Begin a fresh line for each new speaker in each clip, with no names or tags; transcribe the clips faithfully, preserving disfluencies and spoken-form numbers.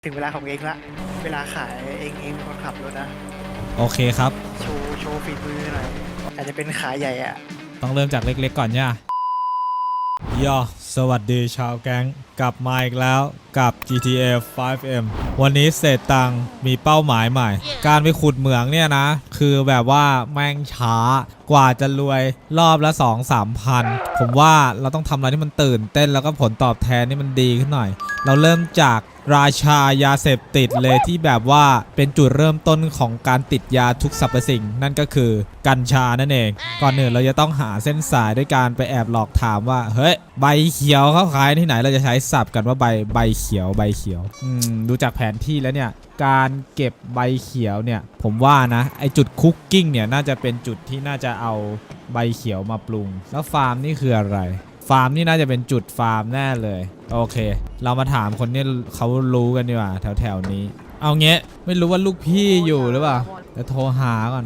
ถึงเวลาของเองละเวลาขายเองเองเป็นคนขับรถนะ
โอเคครับ
โชว์โชว์ฝีมือหน่อยอาจจะเป็นขาใหญ่อะ
ต้องเริ่มจากเล็กๆก่อนย่าย่อสวัสดีชาวแก๊งกลับมาอีกแล้วกับ จี ที เอ ไฟว์ เอ็ม วันนี้เศษตังมีเป้าหมายใหม่ การไปขุดเหมืองเนี่ยนะ คือแบบว่าแม่งช้ากว่าจะรวยรอบละ สองสาม พัน ผมว่าเราต้องทำอะไรที่มันตื่นเต้นแล้วก็ผลตอบแทนนี่มันดีขึ้นหน่อย เราเริ่มจากราชายาเสพติดเลยที่แบบว่าเป็นจุดเริ่มต้นของการติดยาทุกสรรพสิ่งนั่นก็คือกัญชานั่นเองก่อนอื่นเราจะต้องหาเส้นสายด้วยการไปแอบหลอกถามว่าเฮ้ยใบเขียวเขาขายที่ไหนเราจะใช้ศัพท์กันว่าใบใบเขียวใบเขียวอืมดูจากแผนที่แล้วเนี่ยการเก็บใบเขียวเนี่ยผมว่านะไอจุดคุกกิ้งเนี่ยน่าจะเป็นจุดที่น่าจะเอาใบเขียวมาปรุงแล้วฟาร์มนี่คืออะไรฟาร์มนี่น่าจะเป็นจุดฟาร์มแน่เลยโอเคเรามาถามคนที่เขารู้กันดีกว่าแถวๆนี้เอาเงี้ยไม่รู้ว่าลูกพี่อยู่หรือเปล่าจะโทรหาก่อน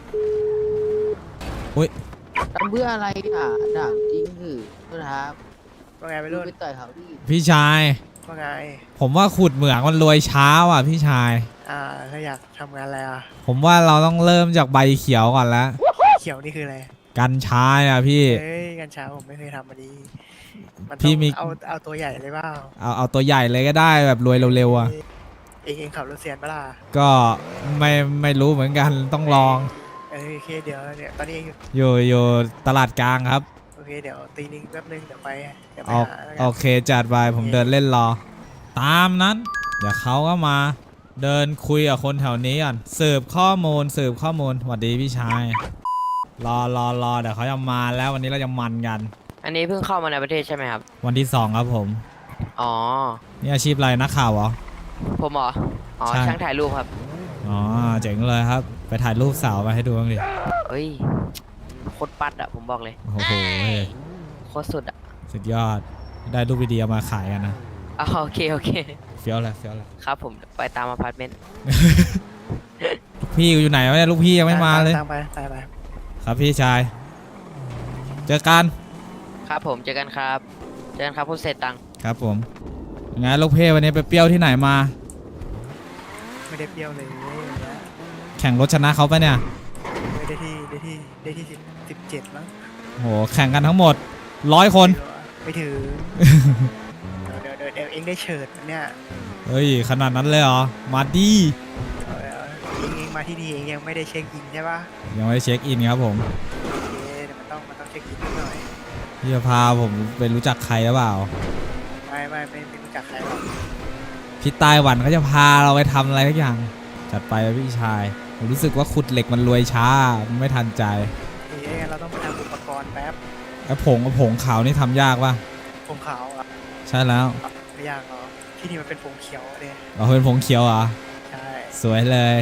อุ้ย
ทำเพื่ออะไรอ่ะถามจริงคือครับ
ว่าไงไปรุ่น
ไปต่อยเขาดิ
พี่ชาย
ว่าไง
ผมว่าขุดเหมืองมันรวยช้าว่ะพี่ชาย
อ่าถ้าอยากทำงานอะไรอ่ะ
ผมว่าเราต้องเริ่มจากใบเขียวก่อนแล้ว
เขียวนี่คืออะไร
กัญชาอ่ะพี่
เฮ้ยกัญชาผมไม่เคยทำมาดีมัน
พี่มี
เอาเอาตัวใหญ่เลยเปล่า
เอาเอาตัวใหญ่เลยก็ได้แบบรวยเร็วๆอ่ะ
เองเองขับรถเซียนปะล่ะ
ก็ไม่ไม่รู้เหมือนกันต้องลอง
เออโอเคเดี๋ยวเนี่ยตอนนี้
อยู่อยู่ตลาดกลางครับ
โอเคเดี๋ยวตีนึงแป๊บนึงเดี๋ยวไปเดี๋ยวไปหา
โอเคจัดไปผมเดินเล่นรอตามนั้นเดี๋ยวเขาก็มาเดินคุยกับคนแถวนี้ก่อนสืบข้อมูลสืบข้อมูลสวัสดีพี่ชายรอรอรอเดี๋ยวเขาจะมาแล้ววันนี้เราจะมันกัน
อันนี้เพิ่งเข้ามาในประเทศใช่ไหมครับ
วันที่สองครับผม
อ๋อ
นี่อาชีพอะไรนักข่าวเหรอ
ผมเหรออ๋อช่างถ่ายรูปครับ
อ๋อเจ๋งเลยครับไปถ่ายรูปสาวมาให้ดูบ้างดิ
เฮ้ยโคตรปัดอะผมบอกเลย
โอ้โห
โคตรสุดอะ
สุดยอดได้รูปวิดีโอมาขายกันนะ
อ๋อโอเคโอเค
เฟี้ยวแหละเฟี้ยวแหละ
ครับผมไปตามอพาร์ตเมนต์
ลูกพี่อยู่ไหนวะเนี่ยลูกพี่ยังไม่มาเลย
ตามไปตามไป
ครับพี่ชายเจอกัน
ครับผมเจอกันครับเจอกันครับคุณเศษตัง
ครับผมงั้นลูกเพ่วันนี้ไปเปรี้ยวที่ไหนมา
ไม่ได้เปรี้ยวเลย
แข่งรถชนะเขาปะเนี่ย
ไม่ได้ที่ได้ที่ได้ที่สิบสิบเจ็ดมั้ง
โหแข่งกันทั้งหมดร้อยคน
ไม่ถือเดี๋ยวเดี๋ยวเดี๋ยวเองได้เฉิดเนี่ย
เฮ้ยขนาดนั้นเลยเหรอมาดี
เองเองมาที่นี่เองยังไม่ได้เช็คอินใช่ปะ
ยังไม่ได้เช็คอินครับผม
โอเคเดี๋ยวมันต้องมันต้องเช็คอินหน่อย
พี่จะพาผมไปรู้จักใครหรือเปล่า
ไม่ไม่ไม่ไม่รู้จักใครหรอก
พี่ไต้หวันเขาจะพาเราไปทำอะไรทุกอย่างจัดไปพี่ชายผมรู้สึกว่าขุดเหล็กมันรวยช้ามันไม่ทันใจ
เอ้ยเราต้องไปทำอุปกรณ์แป๊บ
ไอ้ผงผงขาวนี่ทำยากป่ะ
ผงขาวอ่ะ
ใช่แล้ว
ไม่ยากหรอกที่นี่มันเป็นผงเขียวเลย
เราเป็นผงเขียวเหรอ
ใช่
สวยเลย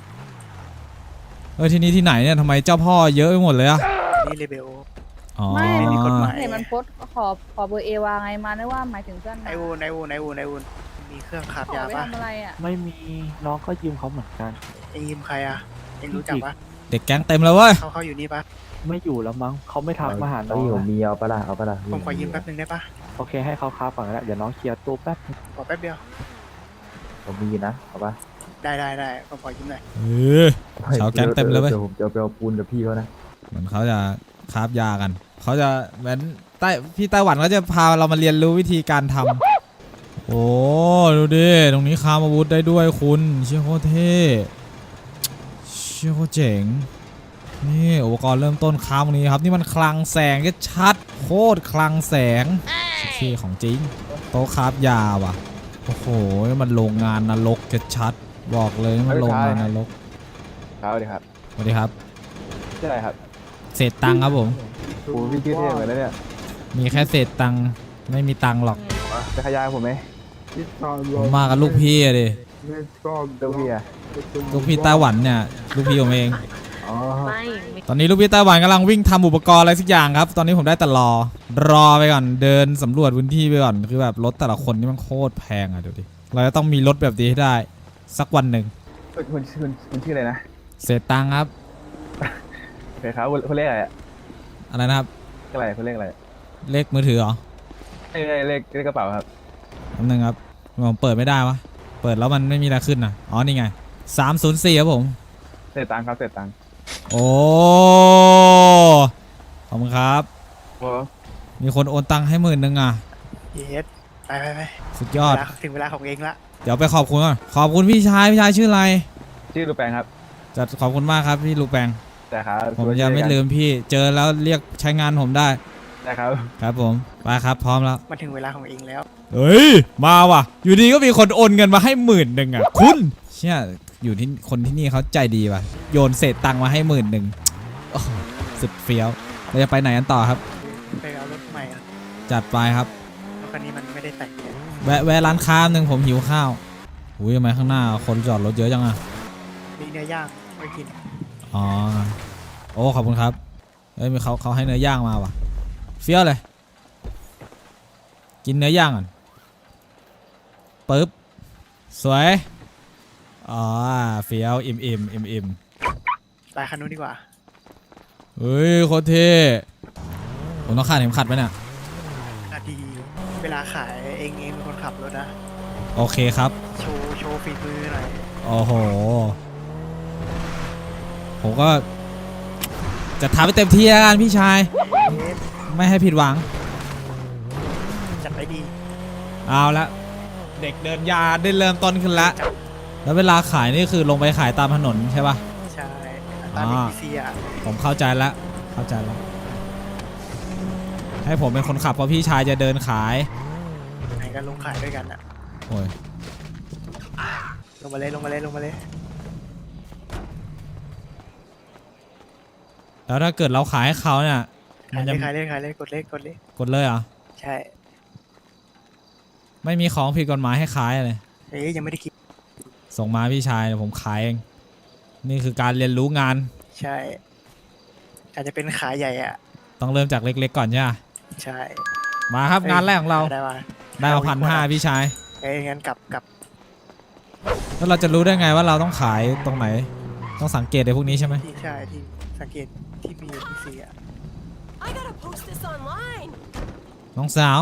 เออที่นี่ที่ไหนเนี่ยทำไมเจ้าพ่อเยอะไปหมดเลยอะ
นี่เลเบล
ไม่มีกฎหมายเห็นมันโพสขอขอเบอร์เอวาไงมาได้ว่าหมายถึงเพื่อน
ไอวูนไอวูนไอวูนไอวูนมีเครื่องขับยาปะ
ไม่มีน้องก็ยืมเขาเหมือนกัน
ไอยืมใครอะเองรู้จักปะ
เด็กแก๊งเต็มเลยเว้ย
เขาเขาอยู่นี่ปะ
ไม่อยู่แล้วมั้งเขาไม่ทักมาหาน้อง
อยู่มีเอาปะล่ะเอาปะล่ะ
ผมขอยืมแป๊บนึงได้ปะ
โอเคให้เขาค้าก่อนแล้วเดี๋ยวน้องเคลียร์ตู้แป๊บ
ขอแป๊บเดียว
ผมมีนะเอาปะ
ได้ได้ได้ผมขอยืมหน่อย
เออชาวแก๊งเต็มเลยเว้ย
เดี๋ยวผมจะไปเอาปูนกับพี่เขานะ
เหมือนเขาจะคราฟยากันเขาจะเหมือนใต้พี่ไต้หวันเขาจะพาเรามาเรียนรู้วิธีการทำโอ้ดูดิตรงนี้คราฟอาวุธได้ด้วยคุณเชี่ยโคตรเท่เชี่ยโคตรเจ๋งนี่อุปกรณ์เริ่มต้นคราฟตรงนี้ครับนี่มันคลังแสงก็ชัดโคตรคลังแสงเท่ของจริงโต๊ะคราฟยาว่ะโอ้โหมันโรงงานนรกก็ชัดบอกเลยมันโรงงานนรก
ครับสวัสดีครับ
สวัสดีครับ
ชื่ออะไรครับ
เศษตังค์ครับผม
โอ้พี่ชื่อเท่เหมือนเนี่ย
มีแค่เศษตังค์ไม่มีตังค์หรอก
จะขยายผมไหม
ผมมากับลูกพี่อะดิ
ลูกพี่อะ
ลูกพี่ไต้หวันเนี่ยลูกพี่ผมเอง
อ๋อ
ตอนนี้ลูกพี่ไต้หวันกำลังวิ่งทำอุปกรณ์อะไรสักอย่างครับตอนนี้ผมได้แต่รอรอไปก่อนเดินสำรวจพื้นที่ไปก่อนคือแบบรถแต่ละคนนี่มันโคตรแพงอะดูดิเราจะต้องมีรถแบบนี้ให้ได้สักวันหนึ่ง
คุณคุณคุณชื่ออะไรนะ
เศษตังค์ครับ
โอเคครับคุณเลขอะไรอะ
อะไรนะครับ
อะไรคุณเลขอะไร
เลขมือถือเหรอ
เลขเลขเลขกระเป๋าครับ
คำหนึ่งครับผมเปิดไม่ได้วะเปิดแล้วมันไม่มีอะไรขึ้นนะอ๋อนี่ไงสามศูนย์สี่ครับผม
เสร็จตังค์ครับเสร็จตังค์
โอ้ขอบคุณครับ
โอ้
มีคนโอนตังค์ให้หมื่นหนึ่งอ่ะ
เยสไปไปไป
สุดยอด
เวลาถึงเวลาของเองละ
เดี๋ยวไปขอบคุณก่อนขอบคุณพี่ชายพี่ชายชื่ออะไร
ชื่อลูกแปงครับ
จะขอบคุณมากครับพี่ลูกแปง
แต่ครับ
ผมจะไม่ลืมพี่เจอแล้วเรียกใช้งานผมได้
แต่ครับ
ครับผมไปครับพร้อมแล้ว
มาถึงเวลาของเองแล้ว
เฮ้ยมาว่ะอยู่ดีก็มีคนโอนเงินมาให้หมื่นหนึ่งอ่ะคุณเชี่ยอยู่ที่คนที่นี่เขาใจดีว่ะโยนเศษตังค์มาให้หมื่นหนึ่งโอ้โหสุดเฟี้ยวเราจะไปไหนกันต่อครับ
ไปเอารถใหม่อะ
จัดไปครับ
รถคันนี้มันไม่ได้แต่งเนี่ย
แวะแวะร้านค้าหนึ่งผมหิวข้าวอุ้ยทำไมข้างหน้าคนจอดรถเยอะจังอ่ะ
มีเนื้อย่างไว้กิน
อ๋อโอ้ขอบคุณครับเอ้ยมีเขาเขาให้เนื้อย่างมาว่ะเฟี้ยวเลยกินเนื้อย่างก่อนปึ๊บสวยอ๋อเฟี้ยวอิ่มอิ่มอิ่มอิ่ม
ไปคันนู้นดีกว่า
เฮ้ยโคตรเท่ผมต้องคาดเข็มขัดไหมเนี่ย
นาทีเวลาขายเองเองเป็นคนขับรถนะ
โอเคครับ
โชว์โชว์ฝีมือหน่อย
โอ้โหผมก็จะทำให้เต็มที่แล้วกันพี่ชาย
เยส
ไม่ให้ผิดหวัง
จัดไปดี
เอาละเด็กเดินยาได้เริ่มต้นขึ้นแล้วแล้วเวลาขายนี่คือลงไปขายตามถนนใช่ปะ
ใช่ตาม
อ่า
บีซีอ่ะ
ผมเข้าใจแล้วเข้าใจแล้วให้ผมเป็นคนขับเพราะพี่ชายจะเดินขาย
ไหนกันลงขายด้วยกันอ่ะ
โอ้ย
ลงมาเลยลงมาเลยลงมาเลย
แล้วถ้าเกิดเราขายให้เขาเนี่ยมั
ขาน ยเล
จะ
ยขายเลยขายเลยกดเลขกดเลข
กดเลยเหรอ
ใช่
ไม่มีของผิดกฎหมายให้ขายเลย
เอ้ยยังไม่ได้คิด
ส่งมาพี่ชายเดี๋ยวผมขายเองนี่คือการเรียนรู้งาน
ใช่อาจจะเป็นขายใหญ่อ่ะ
ต้องเริ่มจากเล็กๆก่อนใช่ไหม
ใช่
มาครับงานแรกของเรา
ได้ป่ะ
ได้มาพันห้าพี่ชาย
เอ้ยงั้นกลับกลับ
แล้วเราจะรู้ได้ไงว่าเราต้องขายตรงไหน ต้องสังเกตในพวกนี้ใช่ไหม
ที่ใช่ที่สังเกตที่มีบีซีอ่ะ
I gotta post this online.
น้องสาว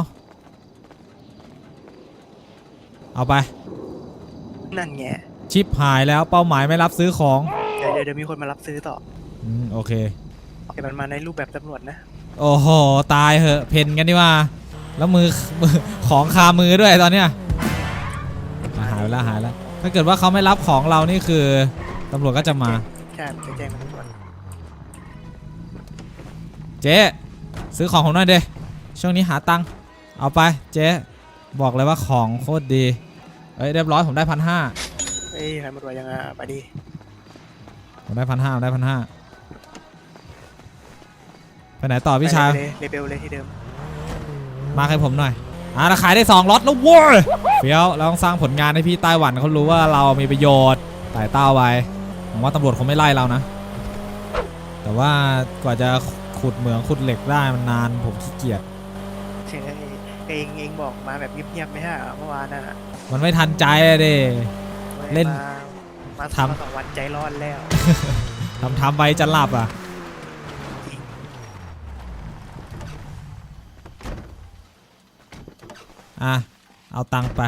เอาไป
นั่นไง
ชิปหายแล้วเป้าหมายไม่รับซื้อของ
เดี๋ยวเดี๋ยวเดี๋ยวมีคนมารับซื้อต่อ
อืมโอเค
แต่มันมาในรูปแบบตำรวจนะ
โอ้โหตายเหอะเพนกันดีว่า แล้วมือมือของคามือด้วยตอนเนี้ยอ่ะหายไปแล้วหายแล้ว ถ้าเกิดว่าเขาไม่รับของเรานี่คือตำรวจก็จะมา
ใช่จะแจ้งตำรวจ
เจ๊ซื้อของผมหน่อยเด้ช่วงนี้หาตังค์เอาไปเจ๊บอกเลยว่าของโคตรดีเอ้ยเรียบร้อยผมได้พันห้า
เอ้ยใครมาตรวจยังไงไปดิ
ผมได้พันห้าได้พันห้าไปไหนต่อพี่ชาย
ไปเลยเลเบลเลยที่เดิม
มาให้ผมหน่อยอ่ะเราขายได้สองล็อตแล้วโว้ยเฟี้ยวเราต้องสร้างผลงานให้พี่ไต้หวันเขารู้ว่าเรามีประโยชน์ไต่เต้าไว้ผมว่าตำรวจคงไม่ไล่เรานะแต่ว่ากว่าจะขุดเหมืองขุดเหล็กได้มันนานผมขี้เกียจ
เช่เองเองบอกมาแบบเงียบๆไม่ใช่เหรอเมื่อวานน่ะ
มันไม่ทันใจอะเด้ เล่น
มามา
ทำ
มาสองวันใจร้อนแล้ว
ทำทำไปจะหลับอ่ะอ่ะเอาตังค์ไป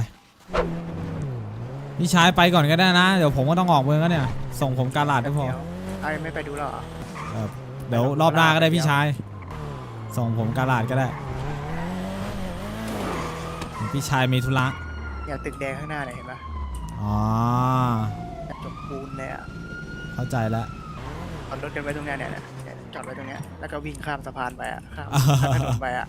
พี่ชายไปก่อนก็ได้นะเดี๋ยวผมก็ต้องออกเมืองแล้วเนี่ยส่งผมกาลาดก็พอ
เดี๋ยวเอาไม่ไปดูแล้วเหรอ
เออเดี๋ยวรอบหน้าก็ได้พี่ชายส่งผมกาลาดก็ได้พี่ชายมีธุระ
อย่าตึกแดงข้างหน้าเลยเห็นปะ
อ๋อ
จบปูนเลยอ่ะ
เข้าใจแล้ว
จอดรถกันไว้ตรงเนี้ยเนี่ยเนี่ยจอดไว้ตรงเนี้ยแล้วก็วิ่งข้ามสะพานไปอ่ะข้ามข้ามถนนไปอ่ะ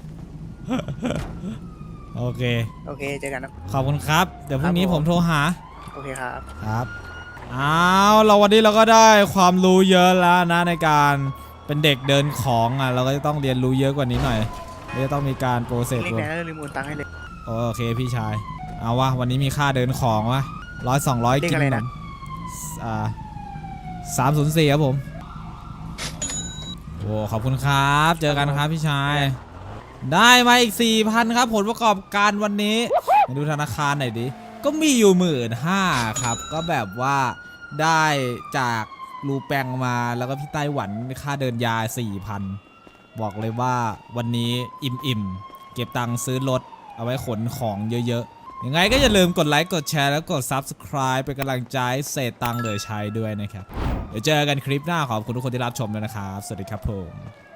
โอเค
โอเคเจอกันนะ
ขอบคุณครับเดี๋ยวพรุ่งนี้
ครับ
ผ
ผม ม
โทรหา
โอเคครับ
ครับอ้าวเราวันนี้เราก็ได้ความรู้เยอะแล้วนะในการเป็นเด็กเดินของอ่ะเราก็จะต้องเรียนรู้เยอะกว่านี้หน่อยเราจะต้องมีการโปรเซส
เล็กๆนะลืมโอนตังค์ให้เลย
โอเคพี่ชายเอาวะวันนี้มีค่าเดินของวะร้อยสองร้อย
เรีย
กิ
ก
น
อะไร
ขน
นะ
มอ่าสามศูนย์สี่ครับผมโอ้ขอบคุณครับเจอกันครับพี่ชายได้มาอีก สี่พัน ครับผลประกอบการวันนี้มาดูธนาคารหน่อยดิก็มีอยู่หมื่นห้าครับก็แบบว่าได้จากรูแปงมาแล้วก็พี่ไต้หวันค่าเดินยา สี่พัน บอกเลยว่าวันนี้อิ่มๆเก็บตังค์ซื้อรถเอาไว้ขนของเยอะๆยังไงก็อย่าลืมกดไลค์กดแชร์แล้วกด Subscribe เป็นกำลังใจให้เศษตังค์เหลือใช้ด้วยนะครับเดี๋ยวเจอกันคลิปหน้าขอบคุณทุกคนที่รับชมด้วยนะครับสวัสดีครับผม